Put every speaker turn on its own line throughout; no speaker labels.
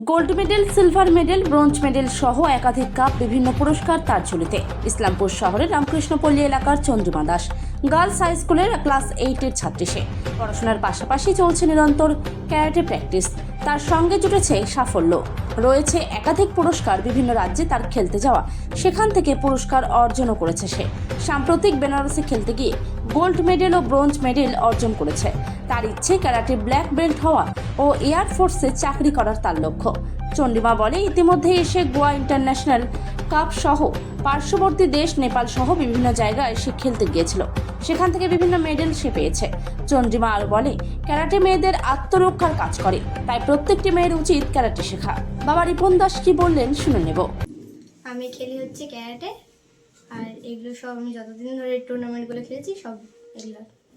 Gold medal, silver medal, bronze medal সহ একাধিক cup, বিভিন্ন পুরস্কার তার ঝুলিতে। ইসলামপুর শহরের রামকৃষ্ণপল্লী এলাকার চন্দ্রিমা দাস গার্লস হাই স্কুলের ক্লাস 8-এর ছাত্রী। সে পড়াশোনার পাশাপাশি চলছে নিরন্তর ক্যারাটে প্র্যাকটিস। তার সঙ্গে জুটেছে সাফল্য, রয়েছে একাধিক পুরস্কার। বিভিন্ন রাজ্যে তার খেলতে যাওয়া, সেখান থেকে পুরস্কার অর্জনও করেছে সে। সাম্প্রতিক বেনারসে খেলতে গিয়ে গোল্ড মেডেল ও ব্রোঞ্জ মেডেল অর্জন করেছে। তার ইচ্ছে ক্যারাটে ব্ল্যাক বেল্ট হওয়া ও এয়ারফোর্সে চাকরি করার তার লক্ষ্য। চন্দ্রিমা বলে, ইতিমধ্যে এসে গোয়া ইন্টারন্যাশনাল কাপ সহ পার্শ্ববর্তী দেশ নেপাল সহ বিভিন্ন জায়গায় সে খেলতে গিয়েছিল, সেখান থেকে বিভিন্ন মেডেল সে পেয়েছে। চন্দ্রিমা আরও বলে, ক্যারাটে মেয়েদের আত্মরক্ষার কাজ করে, তাই প্রত্যেকটি মেয়ের উচিত ক্যারাটে শেখা। বাবা রিপন দাস কি বললেন শুনে নেব।
আমি খেলি হচ্ছে ক্যারাটে, আর এগুলো সব আমি যতদিন ধরে টুর্নামেন্টগুলো খেলেছি সব এগুলো।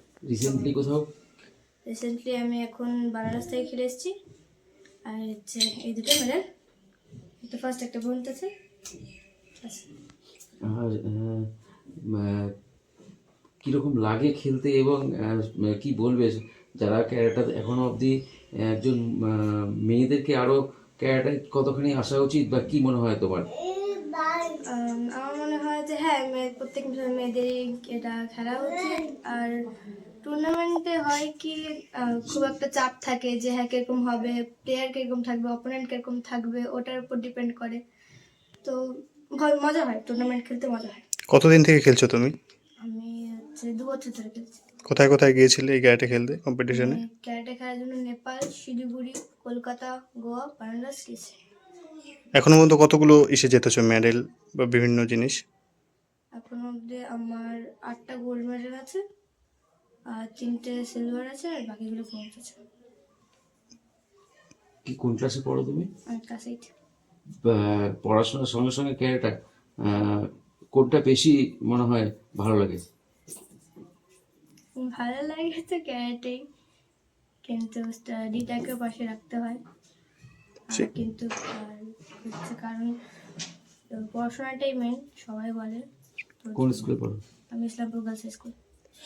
রিসেন্টলি আমি এখন বানারস থেকে খেলে এসেছি, আর হচ্ছে এই দুটো মেডেল, একটা ফার্স্ট একটা ব্রোঞ্জ আছে।
আর কীরকম লাগে খেলতে, এবং কি বলবে যারা ক্যারাটা এখনো অবধি একজন মেয়েদেরকে আরও ক্যারাটায় কতখানি আসা উচিত, বা কি মনে হয় তোমার?
আমার মনে হয় যে হ্যাঁ, প্রত্যেক মেয়েদেরই এটা খেলা উচিত। আর টুর্নামেন্টে হয় কি খুব একটা চাপ থাকে যে হ্যাঁ কিরকম হবে, প্লেয়ার কিরকম থাকবে, অপোনেন্ট কিরকম থাকবে, ওটার উপর ডিপেন্ড করে। তো মজা হয়, টুর্নামেন্ট খেলতে মজা হয়।
কতদিন থেকে খেলছো তুমি?
আমি হচ্ছে 2 বছর ধরে খেলছি।
কোথায় কোথায় গিয়েছিলে এই ক্যারাটে খেলতে, কম্পিটিশনে?
ক্যারাটে খেলার জন্য নেপাল, শিলিগুড়ি, কলকাতা, গোয়া, বারাণসী গেছি।
এখনো পর্যন্ত কতগুলো এসে যেতেছো মেডেল বা বিভিন্ন জিনিস?
এখন অবধি আমার 8টা গোল্ড মেডেল আছে, আর 3টে সিলভার আছে, আর বাকিগুলো ব্রোঞ্জ আছে।
কি কোন ক্লাসে পড়ো তুমি?
আমি ক্লাস 8।
পড়াশোনার সঙ্গে সঙ্গে ক্যারাটা কোনটা বেশি মনে হয় ভালো লাগে?
ভালো লাগে তো ক্যারাটেই, কিন্তু স্টাডিটাকে পাশে রাখতে হয়। কিন্তু হচ্ছে কারণ পড়াশোনাটাই মেন, সবাই বলে।
কোন স্কুলে পড়ো?
আমি ইসলামপুর গার্লস হাই স্কুল।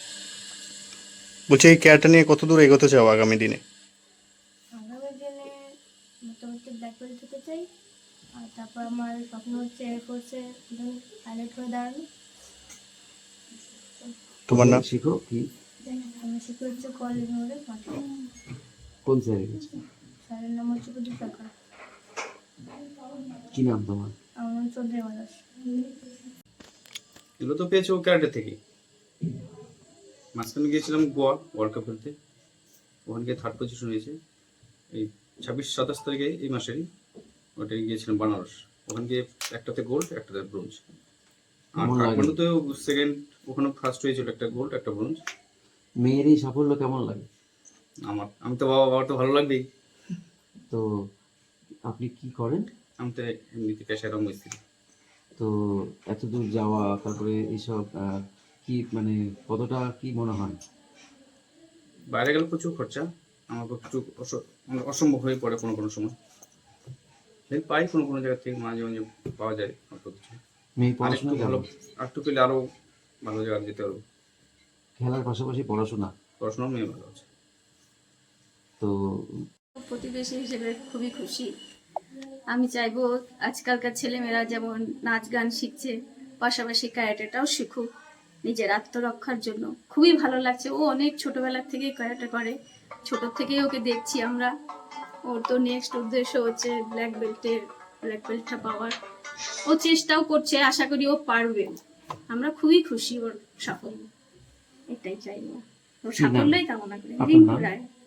বলছি, এই ক্যারাটা নিয়ে কত দূর এগোতে চাও আগামী দিনে?
আগামী দিনে মোটামুটি ব্ল্যাক বেল্ট হতে চাই, আর তারপর আমার স্বপ্ন হচ্ছে এয়ারফোর্সে পাইলট হয়ে দাঁড়ানো।
তোমার নাম?
শিখো কি?
আমি শিখে হচ্ছে কলেজ মোড়ে মাঠে।
কোন স্যারের কাছে?
স্যারের নাম হচ্ছে প্রদীপ সরকার।
কি নাম তোমার?
আমার নাম চন্দ্রিমা দাস।
এগুলো তো পেয়েছে ও ক্যারাটে থেকে। মাঝখানে গিয়েছিলাম গোয়া ওয়ার্ল্ড কাপ খেলতে, ওখানে গিয়ে 3rd পজিশন হয়েছে। এই 26-27 তারিখে এই মাসেরই ওটাই গিয়েছিলাম বানারস, ওখানে গিয়ে একটাতে গোল্ড একটাতে ব্রোঞ্জ। আর কাঠমান্ডুতেও সেকেন্ড, ওখানে ফার্স্ট হয়েছিল, একটা গোল্ড একটা ব্রোঞ্জ।
মেয়ের এই সাফল্য কেমন লাগে?
আমি তো বাবার তো ভালো লাগবেই।
তো আপনি কি করেন?
আমি তো এমনিতে পেশায় রঙমিস্ত্রি।
তো এত দূর যাওয়া, তারপরে এইসব কি মানে কতটা কি মনে হয়?
বাইরে গেলে প্রচুর খরচা, আমার প্রচুর অসম্ভব হয়ে পড়ে কোনো কোনো সময়। হেল্প পাই কোনো কোনো জায়গা থেকে, মাঝে মাঝে পাওয়া যায় অল্প কিছু।
মেয়ে পড়াশোনা
ভালো,
কেমন?
আরেকটু পেলে আরও ভালো জায়গা যেতে পারবো।
খেলার পাশাপাশি পড়াশোনা?
পড়াশোনাও মেয়ে ভালো আছে।
তো
প্রতিবেশী হিসেবে খুবই খুশি। আমি চাইবো আজকালকার ছেলেমেয়েরা যেমন নাচ গান শিখছে, পাশাপাশি ক্যারাটেটাও শিখুক নিজের আত্মরক্ষার জন্য। খুবই ভালো লাগছে, ও অনেক ছোটবেলার থেকেই ক্যারাটে করে, ছোট থেকেই ওকে দেখছি আমরা। ওর তো নেক্সট উদ্দেশ্য হচ্ছে ব্ল্যাক বেল্টটা পাওয়ার। ও চেষ্টাও করছে, আশা করি ও পারবে। আমরা খুবই খুশি ওর সাফল্য, এটাই চাইবো, ওর সাফল্যই কামনা করি। রিঙ্কু রায়।